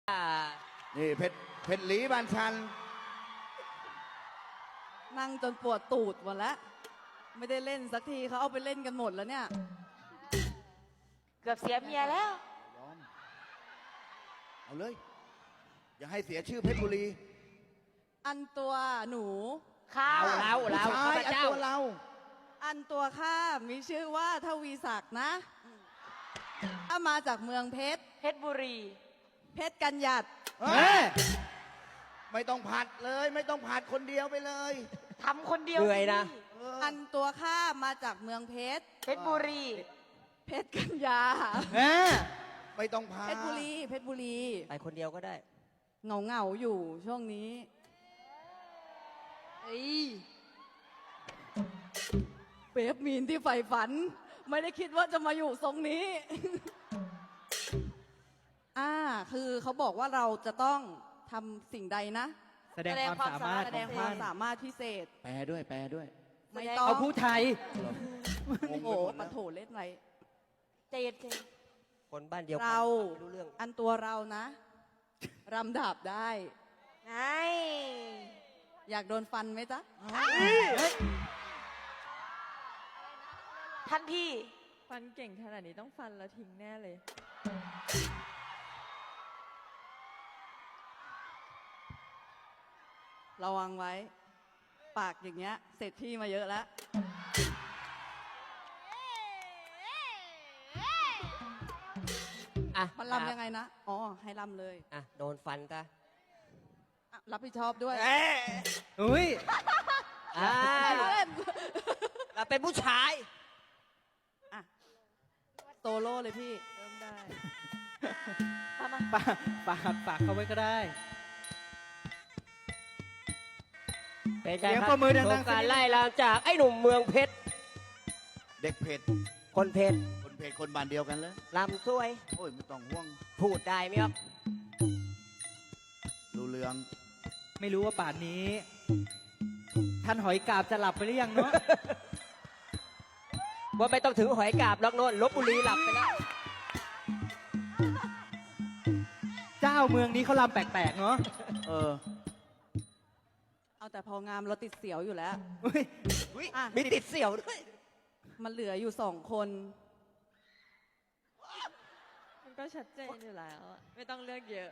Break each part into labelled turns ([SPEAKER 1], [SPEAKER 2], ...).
[SPEAKER 1] นี่เพชรหลีบานชัน
[SPEAKER 2] นั่งจนปวดตูดหมดแล้วไม่ได้เล่นสักทีเขาเอาไปเล่นกันหมดแล้วเนี่ย
[SPEAKER 3] เกือบเสียเมียแล้ว
[SPEAKER 1] ยอมเอาเลย อย่าให้เสียชื่อเพชรบุรี
[SPEAKER 2] อันตัวหนู
[SPEAKER 3] ข้า
[SPEAKER 4] เรา
[SPEAKER 1] ผู้ชายอันตัวเรา
[SPEAKER 2] อันตัวข้ามีชื่อว่าทวีศักดิ์นะถ้ามาจากเมืองเพชร
[SPEAKER 3] เพชรบุรี
[SPEAKER 2] เพชรกันหยัด
[SPEAKER 1] เฮ้ยไม่ต้องผัดเลย ไม่ต้องผัดคนเดียวไปเลย
[SPEAKER 3] ทำคนเดียว
[SPEAKER 4] เหนื่อยนะ
[SPEAKER 1] เออ
[SPEAKER 2] อันตัวข้ามาจากเมืองเพชร
[SPEAKER 3] เพชรบุรี
[SPEAKER 2] เพชรกันยา
[SPEAKER 1] ไม่ต้องพา
[SPEAKER 2] เพชรบุรีเพชรบุรี
[SPEAKER 4] ไปคนเดียวก็ได้
[SPEAKER 2] เหงาอยู่ช่วงนี้เป๊ปมีนที่ใฝ่ฝัน ไม่ได้คิดว่าจะมาอยู่ทรงนี้ คือเขาบอกว่าเราจะต้องทำสิ่งใดนะ
[SPEAKER 5] แสดงความสามารถ
[SPEAKER 2] แสดง
[SPEAKER 5] ของ
[SPEAKER 2] ความ
[SPEAKER 5] ท่าน
[SPEAKER 2] สามารถพิเศษ
[SPEAKER 1] แปลด้วย แปลด้วย
[SPEAKER 2] ไม่ต้อง
[SPEAKER 5] เอาผู้ไทย
[SPEAKER 1] งง
[SPEAKER 2] โอ้
[SPEAKER 1] ไป
[SPEAKER 2] โห
[SPEAKER 1] หมด
[SPEAKER 2] ปะ
[SPEAKER 1] แล้ว
[SPEAKER 2] โถเล่นไร
[SPEAKER 3] ใจเย็น
[SPEAKER 4] คนบ้านเดียวกั
[SPEAKER 2] เรา
[SPEAKER 4] ไม่รู้เรื่อง
[SPEAKER 2] อันตัวเรานะรำดาบได้
[SPEAKER 3] ๆไง
[SPEAKER 2] อยากโดนฟันไหมจ๊ะ
[SPEAKER 3] ท่านพี่
[SPEAKER 6] ฟันเก่งขนาดนี้ต้องฟันแล้วทิ้งแน่เลย
[SPEAKER 2] ระวังไว้ ปากอย่างเงี้ย เสร็จที่มาเยอะแล้ว
[SPEAKER 4] อ่ะ
[SPEAKER 2] มันลำยังไงนะ อ๋อ ให้ลำเลย
[SPEAKER 4] อ่ะโดนฟันซะ
[SPEAKER 2] อ่ะรับผิดชอบด้วย
[SPEAKER 5] อุ้ย
[SPEAKER 4] อ่า
[SPEAKER 2] เล่น
[SPEAKER 4] เราเป็นผู้ชาย
[SPEAKER 2] อ่ะโซโล่เลยพี่
[SPEAKER 6] เริ่มได้
[SPEAKER 5] ฝากเขาไว้ก็ได้
[SPEAKER 4] เป็นไง
[SPEAKER 5] เสียง
[SPEAKER 4] ครับ
[SPEAKER 5] ปรบมือดังๆ
[SPEAKER 4] โครงการ
[SPEAKER 5] สักนิด
[SPEAKER 4] ไล่ลามจากไอ้หนุ่มเมืองเพชร
[SPEAKER 1] เด็กเพชร
[SPEAKER 4] คนเพชร
[SPEAKER 1] คนเพชรคนบ้านเดียวกันเลย
[SPEAKER 4] ลำสวย
[SPEAKER 1] โอ้ยไม่ต้องห่วง
[SPEAKER 4] พูดได้ไหมครับ
[SPEAKER 1] รู้เรื่อง
[SPEAKER 5] ไม่รู้ว่าป่านนี้ ท่านหอยกาบจะหลับไปหรือยังเนาะ
[SPEAKER 4] ว่าไม่ต้องถึงหอยกาบล็อกโน่นลบบุรีหลับไปแล้ว
[SPEAKER 5] เจ้าเมืองนี้เขาลำแปลกๆเนาะ
[SPEAKER 1] เออ
[SPEAKER 2] เอาแต่พองามเราติดเสียวอยู่แล้ว
[SPEAKER 5] อุ้ย
[SPEAKER 2] อ่ะ
[SPEAKER 4] มีติดเสี่ยวด้วย
[SPEAKER 2] มันเหลืออยู่2 คน
[SPEAKER 6] มันก็ชัดเจนอยู่แล้วอะไม่ต้องเลือกเยอะ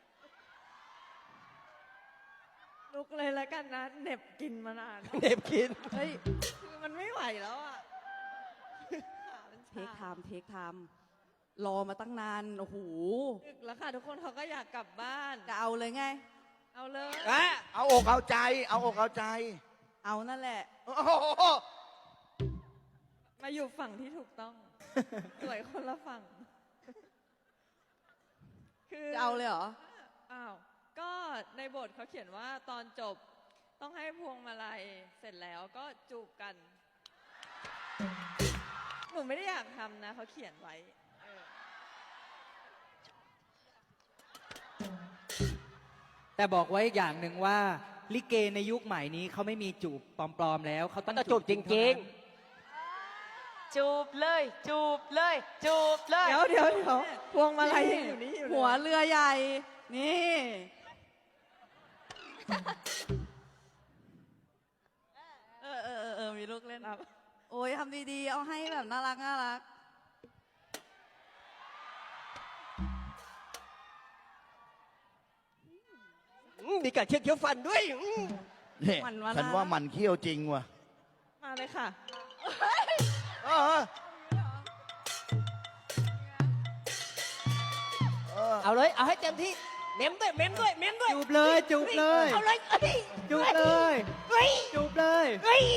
[SPEAKER 6] ลุกเลยแล้วกันนะเหน็บกินมานาน
[SPEAKER 4] เด็บกิน
[SPEAKER 2] เฮ้ย
[SPEAKER 6] คือมันไม่ไหวแล้วอ่ะขามัน
[SPEAKER 2] เทคไท
[SPEAKER 6] ชา
[SPEAKER 2] ม์เทคไทม์รอมาตั้งนาน โอ้โห
[SPEAKER 6] ดึกแล้วค่ะทุกคนเขาก็อยากกลับบ้าน
[SPEAKER 2] จะเอาเลยไง
[SPEAKER 6] เอาเลย
[SPEAKER 4] อ่ะ
[SPEAKER 1] เอาอกเอาใจ เอาอกเอาใจ
[SPEAKER 2] เอานั่นแหละ
[SPEAKER 1] โอ้โห
[SPEAKER 6] มาอยู่ฝั่งที่ถูกต้อง สวยคนละฝั่ง คือ
[SPEAKER 2] จะเอาเลยเหรอ
[SPEAKER 6] อ้าว ก็ในบทเขาเขียนว่าตอนจบต้องให้พวงมาลัยเสร็จแล้วก็จูบกัน หนูไม่ได้อยากทำนะเขาเขียนไว้เออ
[SPEAKER 5] แต่บอกไว้อีกอย่างหนึ่งว่า ลิเกในยุคใหม่นี้เขาไม่มีจูบปลอมๆแล้ว เขาต้อง
[SPEAKER 4] ต้องจูบจริง
[SPEAKER 3] จูบเลย จูบเลย จูบเลย
[SPEAKER 6] เดี๋ยวพวงมาลัยยังอยู่นี่อยู่เลย
[SPEAKER 2] หัวเรือใหญ่ นี่ มีลูกเล่น
[SPEAKER 6] ครับ
[SPEAKER 2] โอ้ยทำดีๆ เอาให้แบบน่ารักน่ารัก
[SPEAKER 4] มีการเคี้ยวฟันด้วย
[SPEAKER 1] เนี่ย
[SPEAKER 2] มันว่า
[SPEAKER 1] ฉันว่ามันเขี้ยวจริงว่ะ
[SPEAKER 6] มาเลยค่ะ
[SPEAKER 1] เออเออ
[SPEAKER 4] เอาเลย เอาให้เต็มที่ เม้มด้วย เม้มด้วย เม้มด้วย
[SPEAKER 5] จูบเลยจูบเลย
[SPEAKER 4] เอาเลยเอ้ย
[SPEAKER 5] จูบเลย
[SPEAKER 4] เฮ้ย
[SPEAKER 5] จูบเลย
[SPEAKER 4] เฮ้ย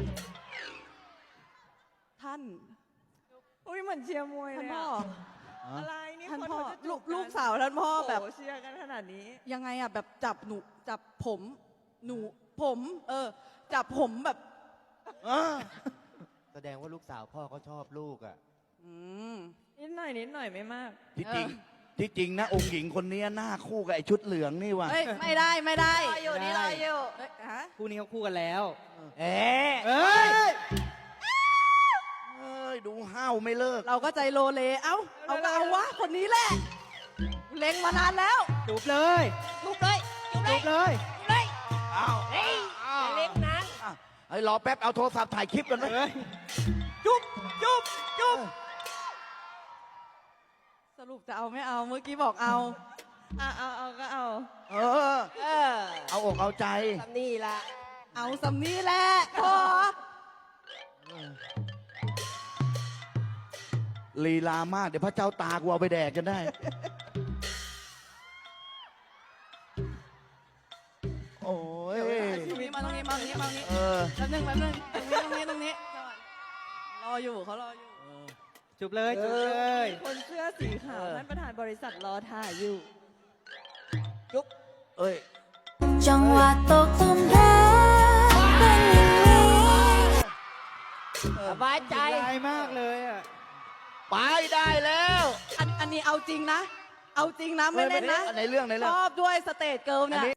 [SPEAKER 2] ท่าน
[SPEAKER 6] อุ้ยเหมือนเชียร์มวย
[SPEAKER 2] ท่าน
[SPEAKER 6] เลย
[SPEAKER 2] พ่อ
[SPEAKER 6] อะอะไรนี่
[SPEAKER 2] ท่าน
[SPEAKER 6] คน
[SPEAKER 2] พ่อ
[SPEAKER 6] เขาจะจูบ
[SPEAKER 2] ลูกสาวท่านพ่อแบบ
[SPEAKER 6] โโหเชียร์กันขนาดนี้
[SPEAKER 2] ยังไงอะแบบจับผม ผม จับผมแบบ
[SPEAKER 1] เออ
[SPEAKER 7] แสดงว่าลูกสาวพ่อก็ชอบลูกอ่ะ
[SPEAKER 2] อืม
[SPEAKER 6] นิดหน่อยไม่มาก
[SPEAKER 1] ที่จริง ที่จริงนะ องค์หญิงคนนี้หน้าคู่กับไอ้ชุดเหลืองนี่ว่ะ
[SPEAKER 2] เฮ้ย ไม่ได้
[SPEAKER 3] รออยู่นี่รออยู่
[SPEAKER 2] เฮ้ยฮะ
[SPEAKER 5] คู่นี้เขาคู่กันแล้ว
[SPEAKER 4] เอ๊ะ
[SPEAKER 5] เอ้ย
[SPEAKER 1] เอ้ย ดูห้าวไม่เลิก
[SPEAKER 2] เราก็ใจโลเล เอาก็เอาวะ คนนี้แหละเล็งมานานแล้ว
[SPEAKER 5] จูบเลย
[SPEAKER 4] จุบเลยจุบเล
[SPEAKER 5] จู
[SPEAKER 4] ย
[SPEAKER 5] บเลย
[SPEAKER 4] จุบเลย
[SPEAKER 1] อ้าว
[SPEAKER 4] เฮ้ยอย่าเล่นนาน
[SPEAKER 1] อ่ะเฮ้ยรอแป๊บเอาโทรศัพท์ถ่ายคลิปกันไหม
[SPEAKER 5] เอ้ย
[SPEAKER 4] จุบจุบจุบ
[SPEAKER 2] สรุปจะเอาไม่เอา เมื่อกี้บอกเอา
[SPEAKER 6] เอาก็เอา
[SPEAKER 1] เออ
[SPEAKER 4] เออ
[SPEAKER 1] เอาอกเอาใจ
[SPEAKER 4] ทำนี่ละ
[SPEAKER 2] เอาสำนี้แหละพอ
[SPEAKER 1] ลีลามาก เดี๋ยวพระเจ้าตากูเอาไปแดกกันได้ โอ้ย
[SPEAKER 2] ตรงนี้มาตรงนี้มาตรงนี้มาตรงนี้
[SPEAKER 1] เออ
[SPEAKER 2] แป๊บนึงตรงนี้ตรงนี้รออยู่เขารออยู่
[SPEAKER 5] จูบเลยจูบเลย
[SPEAKER 6] คนเสื้อสีขาวท่านประธานบริษัทรอถ่ายอยู่
[SPEAKER 4] จุบ
[SPEAKER 1] เอ้ย
[SPEAKER 8] จังหวะตกหลุมรักเป็นอย่างนี้
[SPEAKER 4] สบายใจ
[SPEAKER 5] ใจมากเลยอ่ะ
[SPEAKER 1] ไปได้แล้ว
[SPEAKER 2] อันนี้เอาจริงนะ เอาจริงนะไม่เล่นนะ
[SPEAKER 1] ในเรื่อง
[SPEAKER 2] ชอบด้วยสเตจเกิร์ลเนี่ย